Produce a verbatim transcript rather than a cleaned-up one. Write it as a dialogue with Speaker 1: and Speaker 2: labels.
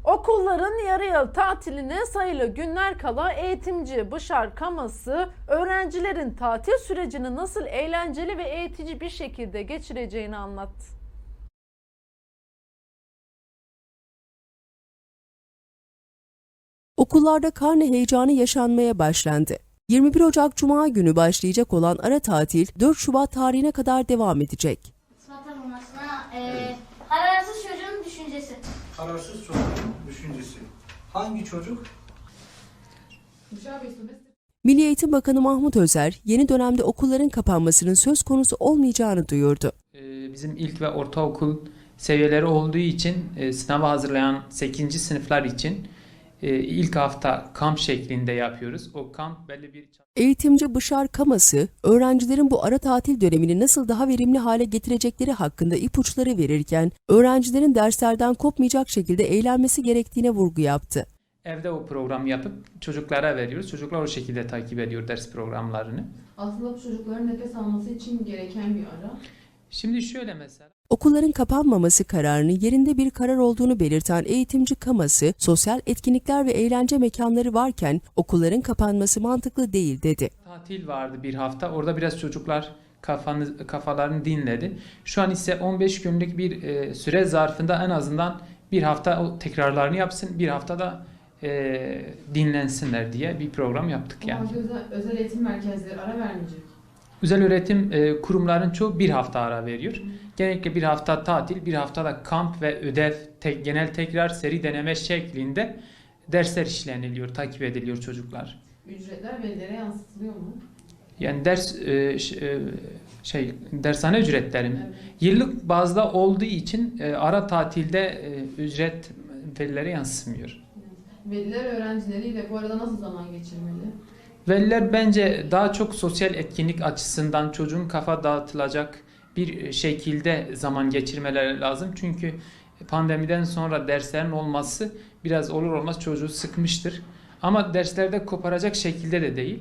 Speaker 1: Okulların yarı yıl tatiline sayılı günler kala eğitimci Bışar Kaması öğrencilerin tatil sürecini nasıl eğlenceli ve eğitici bir şekilde geçireceğini anlattı.
Speaker 2: Okullarda karne heyecanı yaşanmaya başlandı. yirmi bir Ocak Cuma günü başlayacak olan ara tatil dört Şubat tarihine kadar devam edecek.
Speaker 3: İspat tanınmasına e, kararsız çocuğun düşüncesi.
Speaker 4: Kararsız çocuğun düşüncesi. Hangi çocuk?
Speaker 2: Milli Eğitim Bakanı Mahmut Özer, yeni dönemde okulların kapanmasının söz konusu olmayacağını duyurdu.
Speaker 5: Bizim ilk ve ortaokul seviyeleri olduğu için sınava hazırlayan sekizinci sınıflar için ilk hafta kamp şeklinde yapıyoruz. O kamp belli bir...
Speaker 2: Eğitimci Bışar Kaması, öğrencilerin bu ara tatil dönemini nasıl daha verimli hale getirecekleri hakkında ipuçları verirken, öğrencilerin derslerden kopmayacak şekilde eğlenmesi gerektiğine vurgu yaptı.
Speaker 5: Evde o programı yapıp çocuklara veriyoruz. Çocuklar o şekilde takip ediyor ders programlarını.
Speaker 6: Aslında bu çocukların nefes alması için gereken bir ara.
Speaker 5: Şimdi şöyle mesela.
Speaker 2: Okulların kapanmaması kararını yerinde bir karar olduğunu belirten eğitimci Kaması, sosyal etkinlikler ve eğlence mekanları varken okulların kapanması mantıklı değil dedi.
Speaker 5: Tatil vardı bir hafta. Orada biraz çocuklar kafanı, kafalarını dinledi. Şu an ise on beş günlük bir e, süre zarfında en azından bir hafta o tekrarlarını yapsın, bir hafta da e, dinlensinler diye bir program yaptık yani.
Speaker 6: Ama özel, özel eğitim merkezleri ara vermeyecek.
Speaker 5: Özel öğretim e, kurumların çoğu bir hafta ara veriyor. Genellikle bir hafta tatil, bir hafta da kamp ve ödev, tek, genel tekrar, seri deneme şeklinde dersler işleniliyor, takip ediliyor çocuklar.
Speaker 6: Ücretler velilere yansıtılıyor mu?
Speaker 5: Yani ders e, şey dershane ücretleri mi? Evet. Yıllık bazda olduğu için e, ara tatilde e, ücret velilere yansımıyor.
Speaker 6: Veliler öğrencileriyle bu arada nasıl zaman geçirmeli?
Speaker 5: Veliler bence daha çok sosyal etkinlik açısından çocuğun kafa dağıtılacak bir şekilde zaman geçirmeleri lazım. Çünkü pandemiden sonra derslerin olması biraz olur olmaz çocuğu sıkmıştır. Ama derslerde koparacak şekilde de değil.